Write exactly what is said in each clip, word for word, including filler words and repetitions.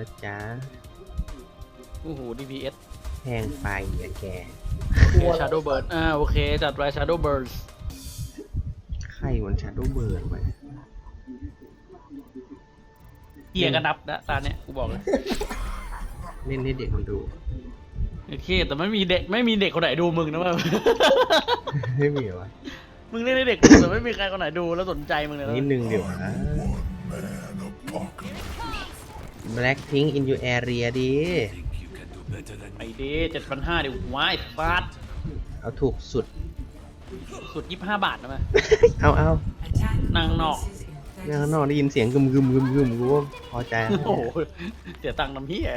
นะจ๊ะโอ้โห ดี พี เอสแห้งไปอะแกชาร์โดเบิร์ดอ่าโอเคจัดไปชาร์โดเบิร์ดใครวันชาโดว์เบิร์ดไปเฮียกันนับนะตาเนี้ยกูบอกเลยเล่นให้เด็กมันดูโอเคแต่ไม่มีเด็กไม่มีเด็กคนไหนดูมึงนะมั้งไม่มีวะมึงเล่นให้เด็กดูแต่ไม่มีใครคนไหนดูแล้วสนใจมึงเลยนะนิดนึงเดี๋ยวนะ Blackpink in your area ดิไอเด้เจ็ดพันห้าเดี๋ยววายฟาดเอาถูกสุดสุดยี่สิบห้าบาทนะมั้ยเอาเอานั่งนอกเนี่ยข้างนอกได้ยินเสียงกึมกึมกึมกึมกูว่าพอใจแล้วโอ้โหเสียตังค์น้ำพี่ไอ้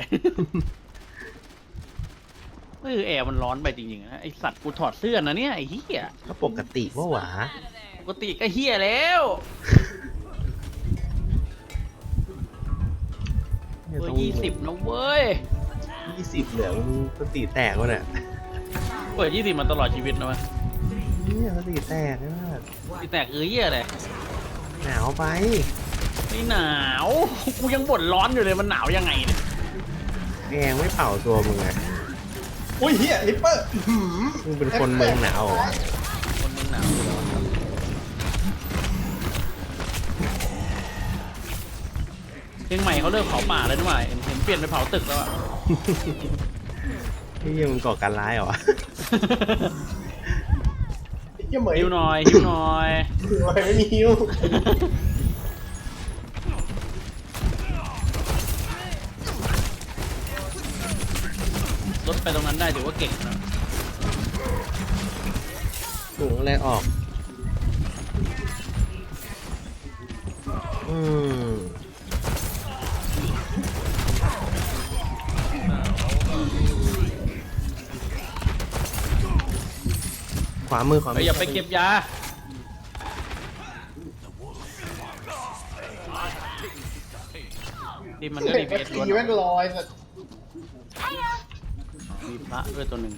เออแอร์มันร้อนไปจริงๆนะไอสัตว์กูถอดเสื้อนะเนี่ยไอ้เหี้ยก็ปกติว่าหวาปกติก็เหี้ยแล้วเนี่ยเบอต้องร์ยี่สิบนะเว้ยยี่สิบเหลืองสติแตกวะเนี่ยเปิดยี่สิบมันตลอดชีวิตนะมั้ยเนี่ยสติแตกนะที่แตกคือเหี้ยเลยหนาวไปไม่หนาว กูยังบ่นร้อนอยู่เลยมันหนาวยังไงเนี่ยแอร์ไม่เป่าตัวมึงไงอุ้ยเฮียลิปเปอร์มึงเป็นคนเมืองหนาวเหรอคนเมืองหนาวอยู่แล้วครับเชียงใหม่เขาเลิกเผาป่าแล้วนี่หว่าเห็นเห็นเปลี่ยนไปเผาตึกแล้วอะไอ้เหี้ยมึงก่อการร้ายเหรอไอ้เฮียเหมยหิวหน่อยหิวหน่อยหิวอะไรไม่มีหิวรถไปตรงนั้นได้ถือว่าเก่งนะถุงอะไรออก อืม ขวามือขวามืเฮ้ยอย่าไปเก็บยาดิมันก็ดีเอพีฟเอสซีล้วนแม่งลอยสัตว์มีพระด้วยตัวหนึ่ง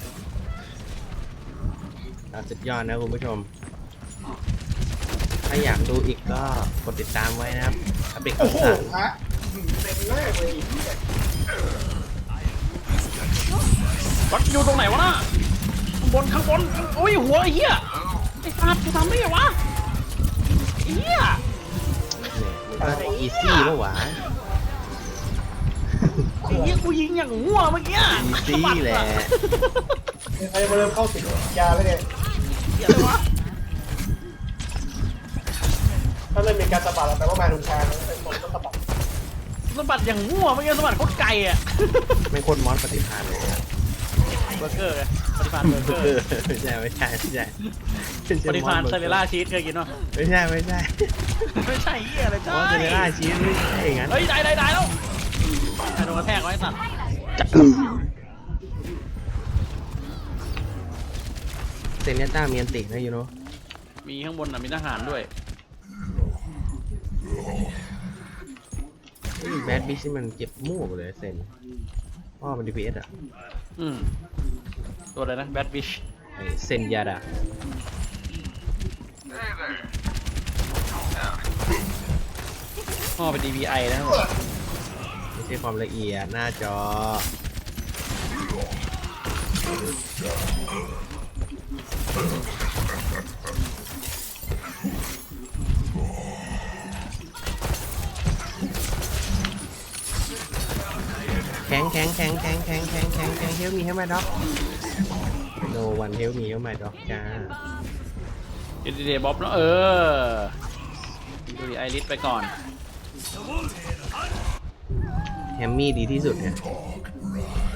อ่ะสุดยอดนะคุณผู้ชม ถ้าอยากดูอีกก็กดติดตามไว้นะครับอัปเดตโอ้ข่าวโหสารฮะเต็มแรกเลยวัดอยู่ตรงไหนวะน่ะข้างบนข้างบนโอ้ยหัวไอ้เหี้ยไอ้สัตว์กูทำได้ไงวะไอ้เหี้ยเนี่ยมันก็อีซี่ปะวะไอ้เหี้ยกูยิงอย่างงัวเมื่อกี้อีซี่แหละใครมาเริ่มเข้าสิงยาแล้วเนี่ยเหี้ยอะไรวะถ้าเริ่มมีการสะบัดแล้วแปลว่ามาถูกทางเป็นคนก็สะบัดสะบัดอย่างงัวเมื่อกี้สะบัดโคตรไกลอ่ะไม่โคตรมอสปฏิภาณเลยอะเบอร์เกอร์ไงปฏิภาณเบอร์เกอเอร์อไม่ใช่ไม่ใช่ไม่ใช่ไม่ใช่ปฏิภาณมอสเซเลล่าชีสเคยกินป่ะไม่ใช่ไม่ใช่ไม่ใช่เหี้ยอะไรมใช่อสเซเนล่าชีสไม่ใช่อย่างนั้นเฮ้ยได้ได้ได้แล้วใครโดนกระแทกไว้สัตว์เซเนต้าเมียนตินะยูโนมีข้างบนน่ะมีทหารด้วยแบดบิชที่มันเก็บมั่วไปเลยเซนพ่อมันดีพีเอสอ่ะอืมตัวอะไรนะแบทบิชไอเซนยาดะพ่อเป็น ดี พี ไอ นะครับไม่ใช่ความละเอียดหน้าจอ แข็งแข็งแข็งแข็งแข็งแข็งแข็งแข็งเฮลมีให้ไหมด็อกโนวันเฮลมีให้ไหมด็อกจ้าเดดเดย์บ๊อบเนาะเออดูดิไอริสไปก่อนแฮมมี่ดีที่สุดเนี่ยนะ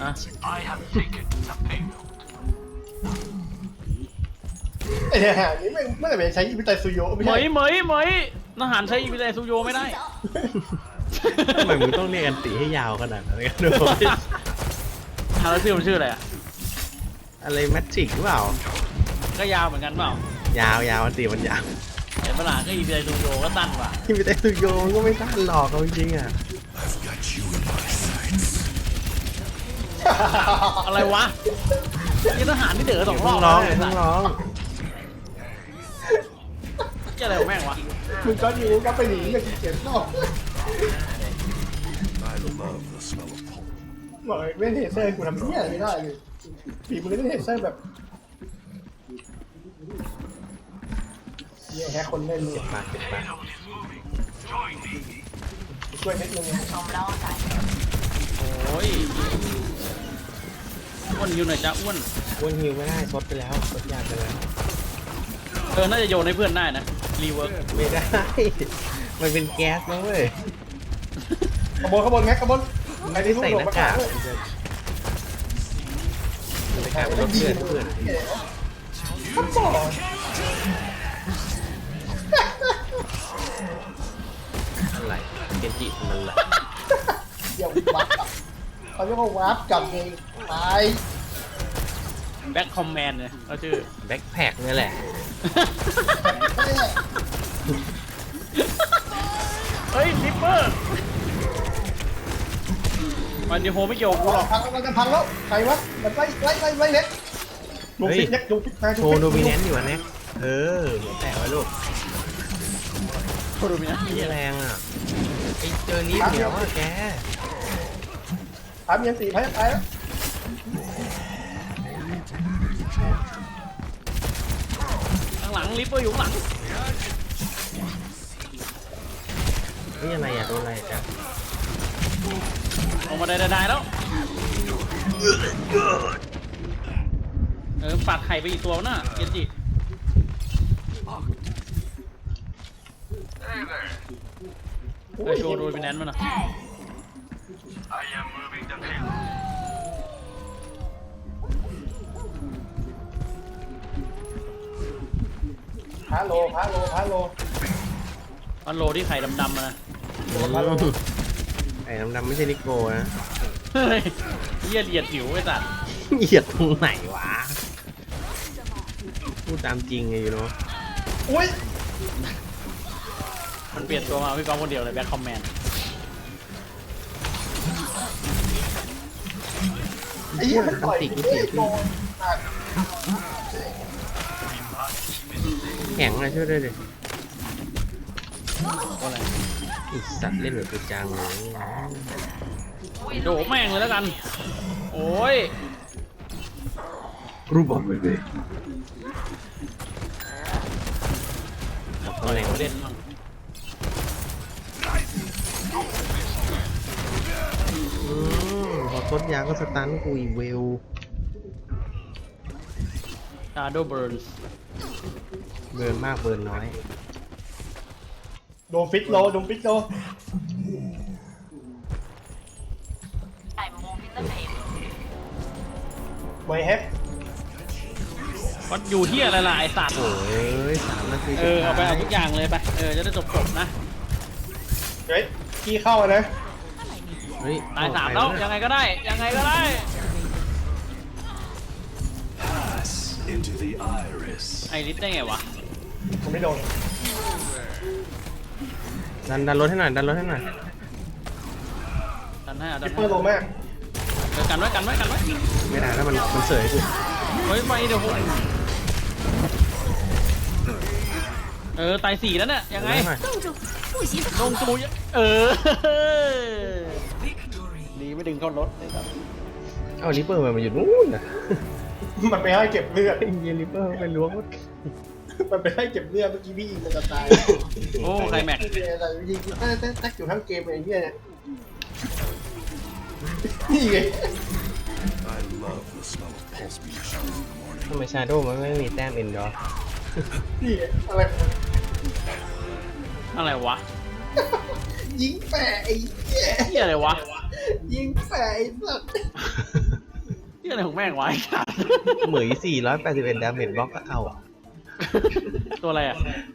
ไอ้เนี่ยนี่แม่งเมื่อไหร่จะใช้อิมิไตซูโยไม่เหมใช่ยเหมยเหมยทหารใช้อีวิไลซูโยไม่ได้ทำไมมึงต้องเรียกกันตีให้ยาวขนาดนั้นกันด้วยทางแล้วชื่อมันชื่ออะไรอ่ะอะไรแมทริกหรือเปล่าก็ยาวเหมือนกันเปล่ายาวยาวอันตีมันยาวเห็นเวลาก็อีวิไลซูโยก็สั้นกว่าที่มีแต่สุโยมันก็ไม่สั้นหรอกเอาจริงๆอ่ะอะไรวะยี่ทหารที่เดือดสองรต้อองบร้องเลยต้องร้องจะอะไรของแม่งวะมึงก็อยู่ก็ไปหนีอย่างเขียนนอกบอกเลยเล่นเทเซอร์กูทำเหี้ยอะไรไม่ได้เลยฝีมือเล่นเทเซอร์แบบเหี้ยแค่คนเล่นเนี่ยปากเก็บปากช่วยนิดนึงโอ้ยอ้วนอยู่ไหนจ๊ะอ้วนอ้วนฮิวไม่ได้ซดไปแล้วซดยาไปแล้วเออน่าจะโยนให้เพื่อนได้นะรีเวิร์กไม่ได้ มันเป็นแก๊สนะเว้ยขบวนขบวนแม็กขบวนไม่ได้ใส่หน้ากากในการลดเลือดเพื่อนขับบอกอะไรเกนจิมันแหละเดี๋ยววับเขาเรียกว่าวับกลับเองตายแบ็คคอมแมนเนี่ยเขาชื่อแบ็คแพคนี่แหละเฮ้ยลิปเปอร์มันดีโฮไม่เกี่ยวกับกูหรอกพังมันจะพังแล้วใครวะมันไล่ไล่ไล่ไล่เน็กดูฟิตเน็กดูฟิตมาโชว์โดมิเนนต์อยู่อะเนี่ยเออหัวแตกไว้ลูกโคตรมีนะนี่แรงอ่ะไอเจอลิฟต์เหนียวอ่ะแกถามยันตีพายตายแล้วข้างหลังลิปเปอร์อยู่ข้างหลังนี่อะไรอ่ะโดนอะไรอ่ะออกมาได้ได้แล้วเออปัดไข่ไปอีกตัวน่ะเกนจิเออโชว์โดยเป็นแนนมันนะพาโลพาโลพาโลมันโลที่ไข่ดำๆมานะไอ้ดำๆไม่ใช่นิโก้นะเฮ้ยเยี่ยเหยียดผิวไอ้สัตว์เหยียดตรงไหนวะพูดตามจริงไงอยู่เนาะอุ้ยมันเปลี่ยนตัวมาพี่ก้องคนเดียวเลยแบ็คคอมแมนไอ้เหี้ยมันต่อยโดนแข็งเลยช่วยด้วยดิอะไรไอีสัตว์เล่นแบบตัวจังเลยโดแม่งเลยแล้วกัน โอ้ยรูปแบบเลยตำแหน่งเล่นมั่งอืมพอทดยาก็สตันกูอีเวลชาโดว์เบิร์นส์เบิร์นมากเบิร์นน้อยโดนฟิตโลโดนฟิตโล I'm moving the baby. ไวแฮปวัดอยู่ที่อะไรล่ะไอ้สัตว์โอ้ยสามนาทีเออเอาไปเอาทุกอย่างเลยไป เออจะได้จบจบๆนะเฮ้ยขี้เข้านะเฮ้ยตายสามแล้วยังไงก็ได้ ยังไงก็ได้ Into the iris. ไอริสได้ไงวะผมไม่โดนดันดันรถให้หน่อยดันรถให้หน่อยดันให้อ่ะดัคินปเปให้อร์โลมากเออกันไว้กันไว้กันไว้ไม่ได้แล้วมันมันเสยกูเฮ้ยไปเดี๋ยวผมเออตายสี่แล้วเนี่ยยังไงหน่อยลงตูยเออดีไม่ดึงเข้ารถไอ้สัตว์เอาลิปเปอร์มันอยู่นู่นนะมันไปให้เก็บเลือดไอ้เหี้ยลิปเปอร์ไปล้วงมันไปให้เก็บเลือดเมื่อกี้พี่ยิงมันจะตายโอ้ใครแม็กแต่ยิงแต่แต่แต่อยู่ทั้งเกมไอ้เหี้ยเนี่ยนี่ไง I love the smell of pulse munitions in the morning. ทำไมชาโดมันไม่มีแต้มเอ็นดอร์นี่ไงอะไรอะไรวะยิงแฝงไอ้เหี้ยเฮียอะไรวะยิงแฝงไอ้สัตว์เฮียอะไรของแม่งวะไอ้สัตว์เหมยสี่ร้อยแปดสิบเอ็ดดาเมจบล็อกก็เอาอ่ะตัวอะไรอ่ะ